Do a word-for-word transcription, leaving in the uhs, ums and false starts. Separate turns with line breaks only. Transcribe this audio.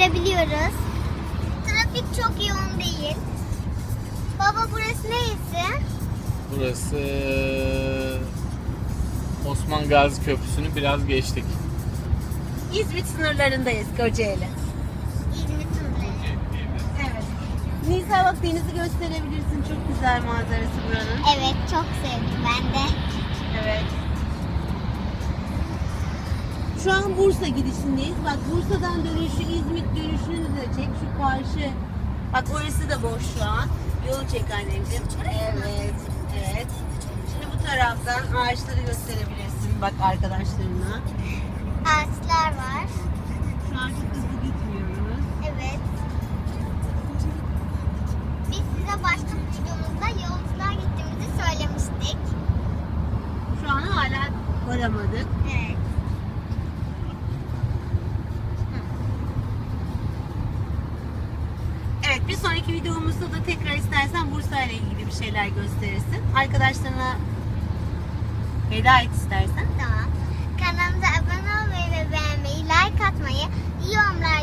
görebiliyoruz. Trafik çok yoğun değil. Baba burası neresi?
Burası Osman Gazi Köprüsü'nü biraz geçtik.
İzmit sınırlarındayız, Kocaeli.
İzmit sınırları.
Evet. Nisa bak, denizi gösterebilirsin. Çok güzel manzarası buranın.
Evet, çok sevdim ben de.
Evet. Şu an Bursa gidişindeyiz. Bak, Bursa'dan dönüşü, İzmit dönüşünü de çek. Şu karşı. Bak, orası da boş şu an. Yolu çek anneciğim. Evet. Evet. Şimdi bu taraftan ağaçları gösterebilirsin. Bak arkadaşlarına.
Ağaçlar var.
Şu an çok hızlı gitmiyoruz.
Evet. Biz size başka bir videomuzda yolculuğa gittiğimizi söylemiştik.
Şu an hala varamadık.
Evet.
Evet, bir sonraki videomuzda da tekrar istersen Bursa ile ilgili bir şeyler gösterirsin. Arkadaşlarına veda et istersen.
Tamam. Kanalımıza abone olmayı ve beğenmeyi, like atmayı, yorumlar